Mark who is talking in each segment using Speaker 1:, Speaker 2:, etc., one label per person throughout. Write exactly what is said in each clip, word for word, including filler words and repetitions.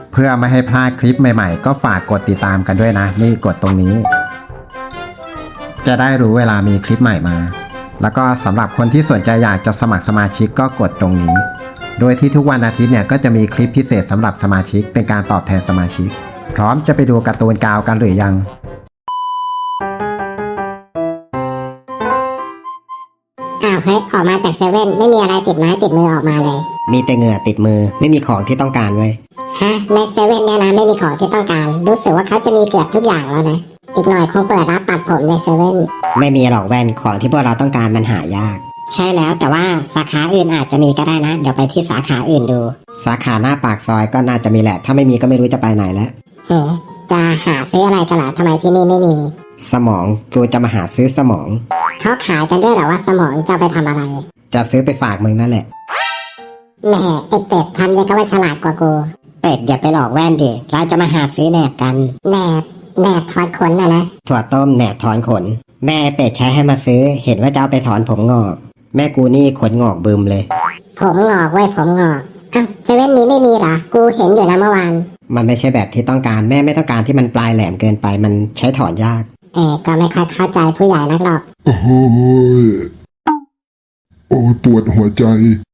Speaker 1: เพื่อไม่ให้พลาดคลิปใหม่ๆก็ฝากกดติดตามกันด้วยนะนี่กดตรงนี้จะได้รู้เวลามีคลิปใหม่มาแล้วก็สำหรับคนที่สนใจอยากจะสมัครสมาชิกก็กดตรงนี้โดยที่ทุกวันอาทิตย์เนี่ยก็จะมีคลิปพิเศษสำหรับสมาชิกเป็นการตอบแทนสมาชิกพร้อมจะไปดูการ์ตูนกาวกันหรือยัง
Speaker 2: อ้าวเฮ้ยออกมาจากเซเว่นไม่มีอะไรติดไม้ติดมือออกมาเลย
Speaker 3: มีแต่เหงื่อติดมือไม่มีของที่ต้องการเว้ย
Speaker 2: ฮะในเซเว่นเนี่ยนะไม่มีของที่ต้องการรู้สึกว่าเขาจะมีเกือบทุกอย่างแล้วนะอีกหน่อยคงเปิดรับตัดผมในเซเว่น
Speaker 3: ไม่มีหรอกแว่นของที่พวกเราต้องการมันหายาก
Speaker 2: ใช่แล้วแต่ว่าสาขาอื่นอาจจะมีก็ได้นะเดี๋ยวไปที่สาขาอื่นดู
Speaker 3: สาขาหน้าปากซอยก็น่าจะมีแหละถ้าไม่มีก็ไม่รู้จะไปไหนแล้ว
Speaker 2: เฮ้จะหาซื้ออะไรกันล่ะทำไมที่นี่ไม่มี
Speaker 3: สมองกูจะมาหาซื้อสมอง
Speaker 2: เขาขายกันด้วยเหรอว่าสมองจะไปทำอะไร
Speaker 3: จะซื้อไปฝากมึงนั่นแหละ
Speaker 2: แหมไอเป็ดทำยังก็ว่าฉลาดกว่ากู
Speaker 3: เป็ดอย่าไปหลอกแว่นดิเราจะมาหาซื้อแหนบกัน
Speaker 2: แหนบแหนบถอนขนนะนะ
Speaker 3: ถั่วต้มแหนบถอนขนแม่เป็ดใช้ให้มาซื้อเห็นว่าจะเอาไปถอนผมงอกแม่กูนี่ขนงอกบึมเลย
Speaker 2: ผมงอกเว้ยผมงอกอ้าวเซเว่นนี้ไม่มีเหรอกูเห็นอยู่นะเมื่อวาน
Speaker 3: มันไม่ใช่แบบที่ต้องการแม่ไม่ต้องการที่มันปลายแหลมเกินไปมันใช้ถอนยาก
Speaker 2: เออก็ไม่ค่อยเข้าใจผู้ใหญ่นักหรอก
Speaker 4: โอ้ยโอ้ยปวดหัวใจ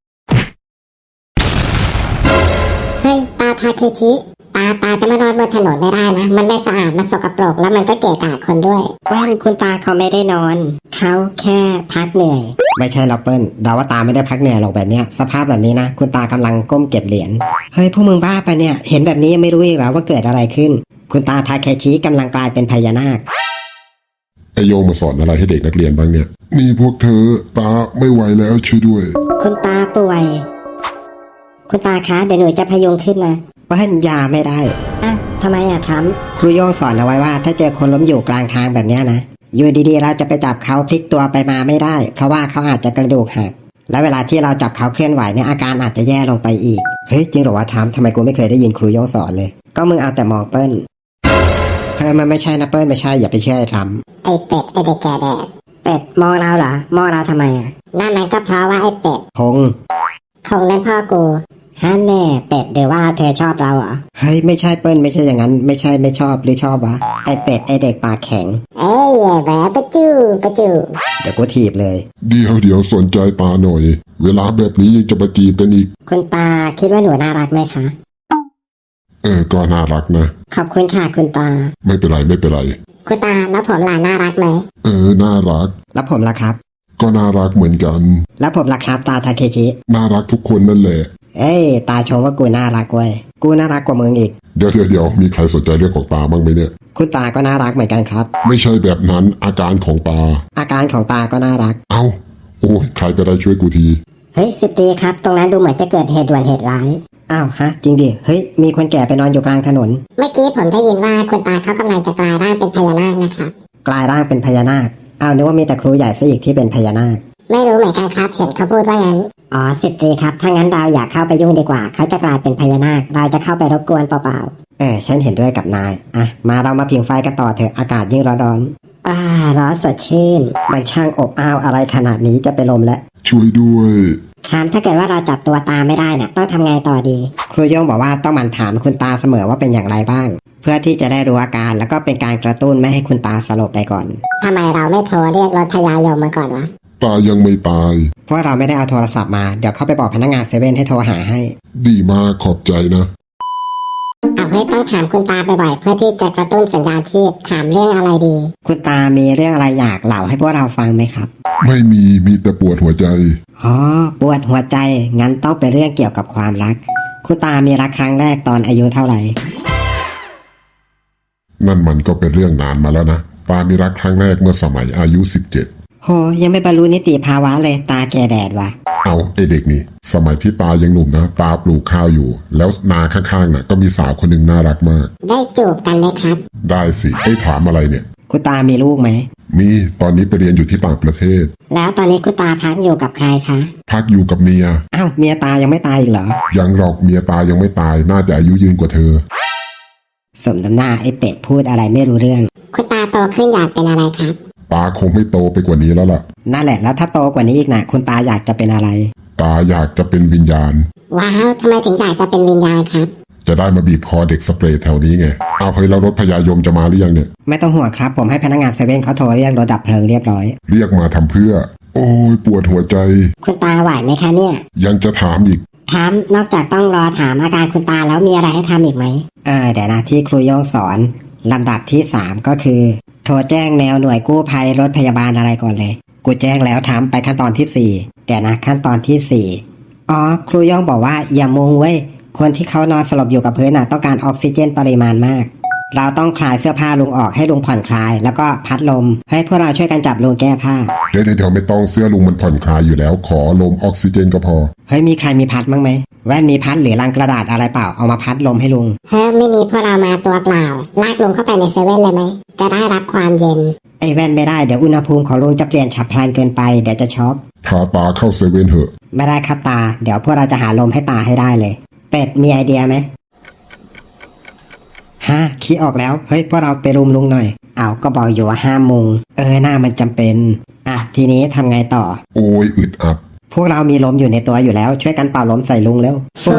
Speaker 2: เฮ้ยตาทาเคชิตาตาจะมานอนบนถนนไม่ได้นะมันไม่สะอาดมันสกปรกแล้วมันก็เกะกะคนด้วย
Speaker 3: ว่านคุณตาเขาไม่ได้นอนเขาแค่พักเหนื่อยไม่ใช่หรอกเปิ้ลดาว่าตาไม่ได้พักเหนื่อยหรอกแบบเนี้ยสภาพแบบนี้นะคุณตากำลังก้มเก็บเหรียญเฮ้ยพวกมึงบ้าไปเนี่ยเห็นแบบนี้ยังไม่รู้อีกเหรอว่าเกิดอะไรขึ้นคุณตาทาเคชิกำลังกลายเป็นพญานาค
Speaker 4: ไอโยงมาสอนอะไรให้เด็กนักเรียนบ้างเนี่ยนี่พวกเธอตาไม่ไหวแล้วช่วยด้วย
Speaker 3: คุณตาป่วยคุณตาคะเดี๋ยวหนูจะพยุงขึ้นนะเปิ้ลยาไม่ได้
Speaker 2: อ่ะทำไมอ่ะท
Speaker 3: ำครูโยงสอนเอาไว้ว่าถ้าเจอคนล้มอยู่กลางทางแบบนี้นะอยู่ดีๆเราจะไปจับเขาพลิกตัวไปมาไม่ได้เพราะว่าเขาอาจจะกระดูกหักและเวลาที่เราจับเขาเคลื่อนไหวเนี่ยอาการอาจจะแย่ลงไปอีกเฮ้ยจริงเหรอวะทำทำไมกูไม่เคยได้ยินครูโยงสอนเลยก็มึงเอาแต่มองเปิ้ลเฮ้ยมันไม่ใช่นะเปิ้ลไม่ใช่อย่าไปเชื่อไอ้ท
Speaker 2: ำไอเป็ดไอเด็กแก่แดด
Speaker 3: เป็ดมองเราเหรอมองเราทำไมอ่ะ
Speaker 2: นั่นมันก็เพราะว่าไอเป็ด
Speaker 3: พง
Speaker 2: พงนั้นพ่อกู
Speaker 3: ฮันแน่เป็ดเดี๋ยวว่าเธอชอบเราเหรอเฮ้ยไม่ใช่เปิ้ลไม่ใช่อย่างนั้นไม่ใช่ไม่ชอบหรือชอบวะไอเป็ดไอเด็กปากแข็ง
Speaker 2: เอ้ยแหวะปะจูปะจู
Speaker 3: เดี๋ยวกูถีบเลย
Speaker 4: เดี๋ยวเดี๋ยวสนใจตาหน่อยเวลาแบบนี้ยังจะมาจีบกันอีก
Speaker 3: คุณตาคิดว่าหนูน่ารักไหมคะ
Speaker 4: เออก็น่ารักนะ
Speaker 3: ขอบคุณค่ะคุณตา
Speaker 4: ไม่เป็นไรไม่เป็นไร
Speaker 2: คุณตาแล้วผมล่ะน่ารักไหม
Speaker 4: เออน่ารัก
Speaker 3: แล้วผมล่ะครับ
Speaker 4: ก็น่ารักเหมือนกัน
Speaker 3: แล้วผมล่ะครับตาทาเคชิ
Speaker 4: น่ารักทุกคนนั่นแหละ
Speaker 3: เอ้ยตาชมว่ากูน่ารักเว้ยกูน่ารักกว่ามึงอีก
Speaker 4: เดี๋ยวเดี๋ยวเดี๋ยวมีใครสนใจเรื่องของตาบ้างไหมเนี่ย
Speaker 3: คุณตาก็น่ารักเหมือนกันครับ
Speaker 4: ไม่ใช่แบบนั้นอาการของตา
Speaker 3: อาการของตาก็น่ารัก
Speaker 4: เอ้าโอ้ยใครก็ได้ช่วยกูที
Speaker 3: เฮ้ยสิบตีครับตรงนั้นดูเหมือนจะเกิดเหตุด่วนเหตุร้ายอ้าวฮะจริงดิเฮ้ยมีคนแก่ไปนอนอยู่กลางถนน
Speaker 2: เมื่อกี้ผมได้ยินว่าคุณตาเขากำลังจะกลายร่างเป็นพญานาคนะครับ
Speaker 3: กลายร่างเป็นพญานาคอ้าวนึกว่ามีแต่ครูใหญ่ซะอีกที่เป็นพญานาค
Speaker 2: ไม่รู้เหมือนกันครับเห็นเขาพูดว่างั้น
Speaker 3: อ๋อสิบตรีครับถ้างั้นเราอยากเข้าไปยุ่งดีกว่าเขาจะกลายเป็นพญานาคเราจะเข้าไปรบกวนเปล่าๆเออฉันเห็นด้วยกับนายอ่ะมาเรามาผิงไฟกันต่อเถอะอากาศยิ่งร้อนๆอ่าร้อนสดชื่นมันช่างอบอ้าวอะไรขนาดนี้จะไปลมแล้ว
Speaker 4: ช่วยด้วย
Speaker 3: ครับถ้าเกิดว่าเราจับตัวตาไม่ได้เนี่ยต้องทำไงต่อดีครูโยงบอกว่าต้องหมั่นถามคุณตาเสมอว่าเป็นอย่างไรบ้างเพื่อที่จะได้รู้อาการแล้วก็เป็นการกระตุ้นไม่ให้คุณตาสลบไปก่อน
Speaker 2: ทำไมเราไม่โทรเรียกรถพยาโยมมาก่อนวะ
Speaker 4: ตายังไม่ตาย
Speaker 3: เพราะเราไม่ได้เอาโทรศัพท์มาเดี๋ยวเข้าไปบอกพนักงานเซเว่นให้โทรหาให้
Speaker 4: ดีมากขอบใจนะ
Speaker 2: เอาให้ต้องถามคุณตาบ่อยๆเพื่อที่จะกระตุ้นสัญญาณชีพถามเรื่องอะไรดี
Speaker 3: คุณตามีเรื่องอะไรอยากเล่าให้พวกเราฟังไหมครับ
Speaker 4: ไม่มีมีแต่ปวดหัวใจ
Speaker 3: อ๋อปวดหัวใจงั้นต้องเป็นเรื่องเกี่ยวกับความรักคุณตามีรักครั้งแรกตอนอายุเท่าไหร่
Speaker 4: นั่นมันก็เป็นเรื่องนานมาแล้วนะตามีรักครั้งแรกเมื่อสมัยอายุสิบเจ็ด
Speaker 3: โหยังไม่บรรลุนิติภาวะเลยตาแก่แดดว่ะ
Speaker 4: เอาไอเด็กนี่สมัยที่ตายังหนุ่มนะตาปลูกข้าวอยู่แล้วนาข้างๆน่ะก็มีสาวคนหนึ่งน่ารักมาก
Speaker 2: ได้จูบกันไหมครับ
Speaker 4: ได้สิไอ้ถามอะไรเนี่ย
Speaker 3: คุณตามีลูกไหม
Speaker 4: มีตอนนี้ไปเรียนอยู่ที่ต่างประเทศ
Speaker 3: แล้วตอนนี้คุณตาพักอยู่กับใครคะ
Speaker 4: พักอยู่กับเมีย
Speaker 3: อ้าวเมียตายังไม่ตายอีกเหรอ
Speaker 4: ยังหรอกเมียตายังไม่ตายน่าจะอายุยืนกว่าเธอ
Speaker 3: สมน้ำหน้าไอ้เป็ดพูดอะไรไม่รู้เรื่อง
Speaker 2: คุณตาโตขึ้นอยากเป็นอะไรครับ
Speaker 4: ตาคงไม่โตไปกว่านี้แล้วล่ะ
Speaker 3: นั่นแหละแล้วถ้าโตกว่านี้อีกนะคุณตาอยากจะเป็นอะไร
Speaker 4: ตาอยากจะเป็นวิญญาณ
Speaker 2: ว้าวทำไมถึงอยากจะเป็นวิญญาณครับ
Speaker 4: จะได้มาบีบคอเด็กสเปรย์แถวนี้ไงเอาเฮ้ยแล้วรถพยายมจะมาหรือยังเนี่ย
Speaker 3: ไม่ต้องห่วงครับผมให้พนักงานเซเว่นเขาโทรเรียกรถดับเพลิงเรียบร้อย
Speaker 4: เรียกมาทำเพื่อ โอ้ยปวดหัวใจ
Speaker 2: คุณตาไหวไหมคะเนี่ย
Speaker 4: ยังจะถามอีก
Speaker 2: ถามนอกจากต้องรอถามอาการคุณตาแล้วมีอะไรให้ทำอีกไหม
Speaker 3: เออเดี๋ยวนะที่ครูโย่งสอนลำดับที่สามก็คือ โทรแจ้งแนวหน่วยกู้ภัยรถพยาบาลอะไรก่อนเลย กูแจ้งแล้วทำไปขั้นตอนที่สี่เดี๋ยวนะขั้นตอนที่สี่อ๋อครูโย่งบอกว่าอย่ามุงเว้ยคนที่เขานอนสลบอยู่กับพื้นน่ะต้องการออกซิเจนปริมาณมาก เราต้องคลายเสื้อผ้าลุงออกให้ลุงผ่อนคลาย แล้วก็พัดลมให้พวกเราช่วยกันจับลุงแก้ผ้า
Speaker 4: เดี๋ยวเดี๋ยวไม่ต้องเสื้อลุงมันผ่อนคลายอยู่แล้ว ขอลมออกซิเจนก็พอ
Speaker 3: เฮ้ยมีใครมีพัดมั้งไหมแว่นมีพัดหรือลังกระดาษอะไรเปล่าเอามาพัดลมให้ลุง
Speaker 2: เฮ้ยไม่มีพวกเรามาตัวเปล่า ลากลุงเข้าไปในเซเว่นเลยไหม จะได้รับความเย็น
Speaker 3: ไอ้แว่นไม่ได้เดี๋ยวอุณหภูมิของลุงจะเปลี่ยนฉับพลันเกินไปเดี๋ยวจะช็อก
Speaker 4: พาตาเข้าเซเว่นเถอะ
Speaker 3: ไม่ได้ครับตา เดี๋ยวพวกเราจะหาลมให้ตาให้ได้เลย เป็ดมีไอเดียไหมฮะคิดออกแล้วเฮ้ยพวกเราไปรุมลุงหน่อยเอาก็บอกอยู่ว่าห้ามมุงเออหน้ามันจำเป็นอ่ะทีนี้ทำไงต่อ
Speaker 4: โอ้ยอึดอัด
Speaker 3: พวกเรามีลมอยู่ในตัวอยู่แล้วช่วยกันเป่าลมใส่ลุงเร็ว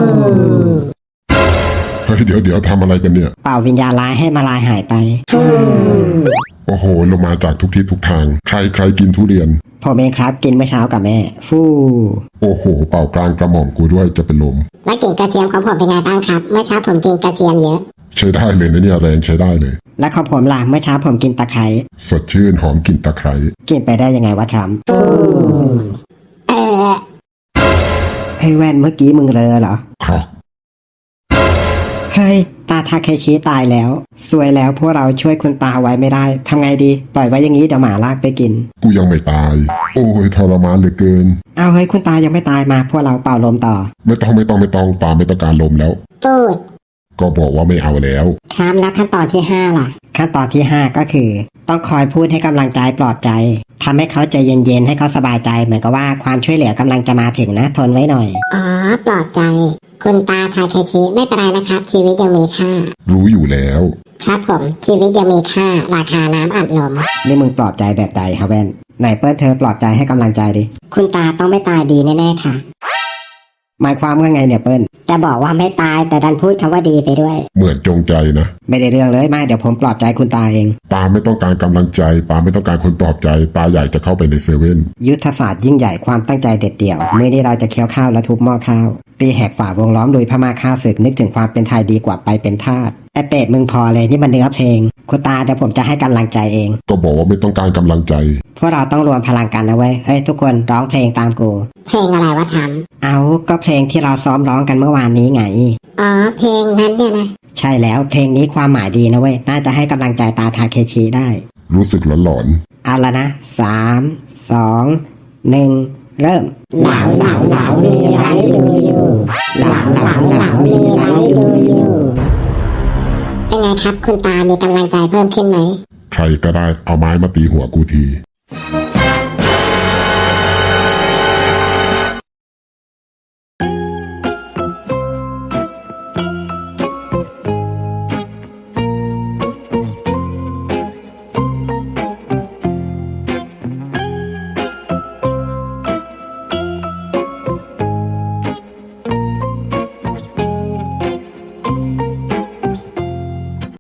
Speaker 4: เฮ้ยเดี๋ยวเดี๋ยวทำอะไรกันเนี่ย
Speaker 3: เป่าวิญญาณร้ายให้มาลายหายไป
Speaker 4: โอ้โหลงมาจากทุกทิศทุกทาง ใครใครกินทุเรียน
Speaker 3: ผมเองครับกินเมื่อเช้ากับแม่ ฟู่
Speaker 4: โอ้โห เป่ากลางกระหม่อมกูด้วยจะเป็นลม
Speaker 2: แล้วกลิ่นกระเทียมของผมเป็นไงบ้างครับ เมื่อเช้าผมกินกระเทียมเยอะ
Speaker 4: ใช้ได้เลยนะเนี่ยแรงใช้ได้เลย
Speaker 3: และของผมล่ะเมื่อเช้าผมกินตะไคร้
Speaker 4: สดชื่นหอมกลิ่นตะไคร้
Speaker 3: กินไปได้ยังไงวะทรัมป์
Speaker 2: เออ
Speaker 3: ไอ้แว่นเมื่อกี้มึงเรอเหรอ
Speaker 4: ครับ
Speaker 3: เฮ้ยตาทาเคชิตายแล้วสวยแล้วพวกเราช่วยคุณตาไว้ไม่ได้ทำไงดีปล่อยไว้อย่างนี้เดี๋ยวหมาลากไปกิน
Speaker 4: กูยังไม่ตาย โอ้ยทรมานเหลือเกิน
Speaker 3: เอาเฮ้ยคุณตายังไม่ตายมาพวกเราเป่าลมต่อ
Speaker 4: ไม่ต้องไม่ต้องไม่ต้องตามไม่ต้องการลมแล้ว
Speaker 2: พูด
Speaker 4: ก็บอกว่าไม่เอาแล้ว
Speaker 2: ครับแล้วขั้นตอนที่ห้าล่ะ
Speaker 3: ขั้นตอนที่ห้าก็คือ ต้องคอยพูดให้กำลังใจปลอบใจทำให้เขาใจเย็นๆให้เขาสบายใจเหมือนกับว่าความช่วยเหลือกำลังจะมาถึงนะทนไว้หน่อย
Speaker 2: อ๋อ ปลอบใจ คุณตาทาเคชิไม่เป็นไรนะครับ ชีวิตยังมีค่า
Speaker 4: รู้อยู่แล้ว
Speaker 2: ครับผม ชีวิตยังมีค่า ราคาน้ำอัดลม
Speaker 3: นี่มึงปลอบใจแบบใดฮะแว่นไหนเปิ้ลเธอปลอบใจให้กำลังใจดิ
Speaker 2: คุณตาต้องไม่ตายดีแน่ๆค่ะ
Speaker 3: หมายความว่าไงเนี่ยเปิ้ล
Speaker 2: จะบอกว่าไม่ตายแต่ดันพูดคำว่าดีไปด้วย
Speaker 4: เหมือนจงใจนะ
Speaker 3: ไม่ได้เรื่องเลยไม่เดี๋ยวผมปลอบใจคุณตาเอง
Speaker 4: ตาไม่ต้องการกำลังใจ ตาไม่ต้องการคนปลอบใจ ตาอยากจะเข้าไปในเซเว่น
Speaker 3: ยุทธศาสตร์ยิ่งใหญ่ความตั้งใจเด็ดเดี่ยวมื้อนี้เราจะเคี้ยวข้าวและทุบหม้อข้าวตีแหกฝ่าวงล้อมลุยพม่าฆ่าศึกนึกถึงความเป็นไทยดีกว่าไปเป็นทาสไอเป็ดมึงพอเลยนี่มันเนื้อเพลงคุณตาเดี๋ยวผมจะให้กำลังใจเอง
Speaker 4: ก็บอกว่าไม่ต้องการกำลังใจ
Speaker 3: พวกเราต้องรวมพลังกันนะเว้ยเฮ้ยทุกคนร้องเพลงตามกู
Speaker 2: เพลงอะไรวะท
Speaker 3: เอาก็เพลงที่เราซ้อมร้องกันเมื่อวานนี้ไง
Speaker 2: ำอ๋อ เพลงนั้นเนี่ยนะ
Speaker 3: ใช่แล้วเพลงนี้ความหมายดีนะเว้ยน่าจะให้กำลังใจตาทาเคชิได้
Speaker 4: รู้สึกหลอน
Speaker 3: เอาละนะสามสองหนึ่งเริ่ม
Speaker 2: เหลาเหลาเหลามีไรดูอยู่เหลาเหลาเหลามีไรดูอยู่เป็นไงครับ คุณตามีกำลังใจเพิ่มขึ้นไหม
Speaker 4: ๆ ใครก็ได้เอาไม้มาตีหัวกูที